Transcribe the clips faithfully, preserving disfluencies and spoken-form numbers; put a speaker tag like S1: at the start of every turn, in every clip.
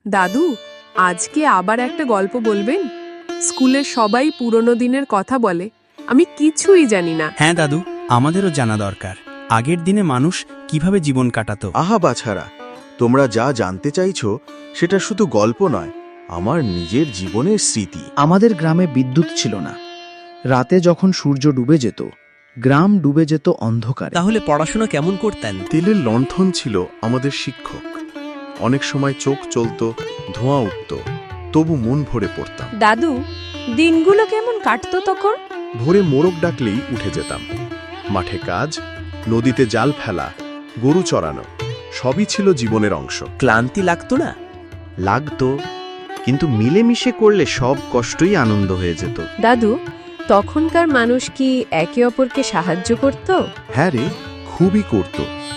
S1: দাদু, আজকে আবার একটা গল্প বলবেন? স্কুলের সবাই পুরনো দিনের কথা বলে, আমি কিছুই জানি না।
S2: হ্যাঁ দাদু, আমাদেরও জানা দরকার আগের দিনে মানুষ কিভাবে জীবন কাটাতো।
S3: আহা বাছারা, তোমরা যা জানতে চাইছো সেটা শুধু গল্প নয়, আমার নিজের জীবনের স্মৃতি।
S4: আমাদের গ্রামে বিদ্যুৎ ছিল না। রাতে যখন সূর্য ডুবে যেত, গ্রাম ডুবে যেত অন্ধকারে।
S2: তাহলে পড়াশোনা কেমন করতেন?
S3: তেলের লণ্ঠন ছিল আমাদের শিক্ষক। অনেক সময় চোখ চলত, ধোঁয়া উঠত, তবু মন ভরে পড়তাম।
S1: দাদু, দিনগুলো কেমন কাটতো তখন?
S3: ভোরে মোরগ ডাকলেই উঠে যেতাম। মাঠে কাজ, নদীতে জাল ফেলা, গরু চড়ানো, সবই ছিল জীবনের অংশ।
S2: ক্লান্তি লাগতো না?
S5: লাগতো, কিন্তু মিলেমিশে করলে সব কষ্টই আনন্দ হয়ে যেত।
S1: দাদু, তখনকার মানুষ কি একে অপরকে সাহায্য করত?
S3: হ্যাঁ রে, খুবই করত।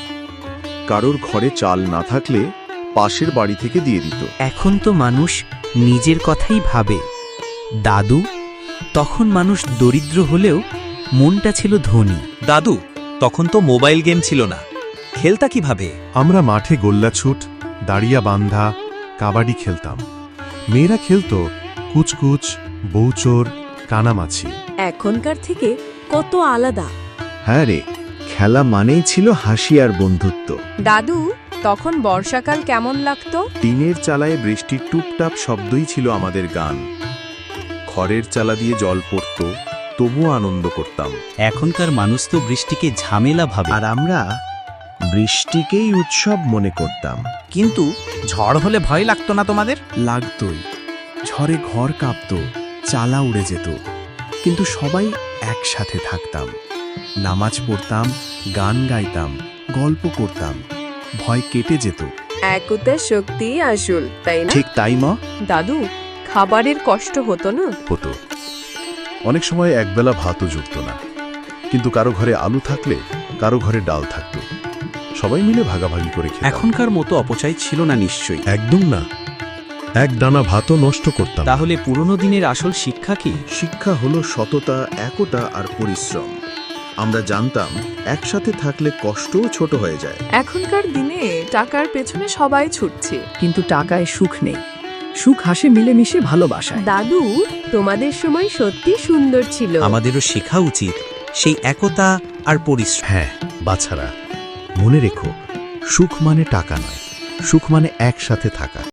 S3: কারোর ঘরে চাল না থাকলে পাশের বাড়ি থেকে দিয়ে দিত।
S2: এখন তো মানুষ নিজের কথাই ভাবে। দাদু, তখন মানুষ দরিদ্র হলেও মনটা ছিল ধনী।
S6: দাদু, তখন তো মোবাইল গেম ছিল না, খেলতা কিভাবে?
S3: আমরা মাঠে গোল্লাছুট, দাঁড়িয়া বান্ধা, কাবাডি খেলতাম। মেয়েরা খেলত কুচকুচ, বউচোর, কানামাছি।
S1: এখনকার থেকে কত আলাদা।
S5: হ্যাঁ রে, খেলা মানেই ছিল হাসি আর বন্ধুত্ব।
S1: দাদু, তখন বর্ষাকাল কেমন লাগতো?
S3: টিনের চালায় বৃষ্টির টুপটাপ শব্দই ছিল আমাদের গান। খড়ের চালা দিয়ে জল পড়ত, তবুও আনন্দ করতাম।
S2: এখনকার মানুষ তো বৃষ্টিকে ঝামেলা ভাবে।
S5: আর আমরা বৃষ্টিকেই উৎসব মনে করতাম।
S2: কিন্তু ঝড় হলে ভয় লাগতো না তোমাদের?
S7: লাগতই। ঝড়ে ঘর কাঁপতো, চালা উড়ে যেত, কিন্তু সবাই একসাথে থাকতাম। নামাজ পড়তাম, গান গাইতাম, গল্প করতাম, ভয় কেটে যেত।
S1: একতার শক্তি আসল, তাই না?
S3: ঠিক তাই মা।
S1: দাদু, খাবারের কষ্ট হতো না?
S3: হতো। অনেক সময় একবেলা ভাতও জুটত না, কিন্তু কারো ঘরে আলু থাকলে কারো ঘরে ডাল থাকত, সবাই মিলে ভাগাভাগি করে খেতাম।
S2: এখনকার মতো অপচয় ছিল না নিশ্চয়ই।
S3: একদম না, এক দানা ভাতও নষ্ট করতাম না।
S2: তাহলে পুরনো দিনের আসল শিক্ষা কি?
S3: শিক্ষা হলো সততা, একতা আর পরিশ্রম। আমরা জানতাম একসাথে থাকলে কষ্টও ছোট হয়ে যায়।
S1: এখনকার দিনে টাকার পেছনে সবাই ছুটছে।
S4: কিন্তু টাকায় সুখ নেই। সুখ হাসে মিলেমিশে ভালোবাসায়।
S1: দাদু, তোমাদের সময় সত্যি সুন্দর ছিল।
S6: আমাদেরও শেখা উচিত সেই একতা আর পরিশ্রম।
S3: হ্যাঁ বাছারা, মনে রেখো, সুখ মানে টাকা নয়, সুখ মানে একসাথে থাকা।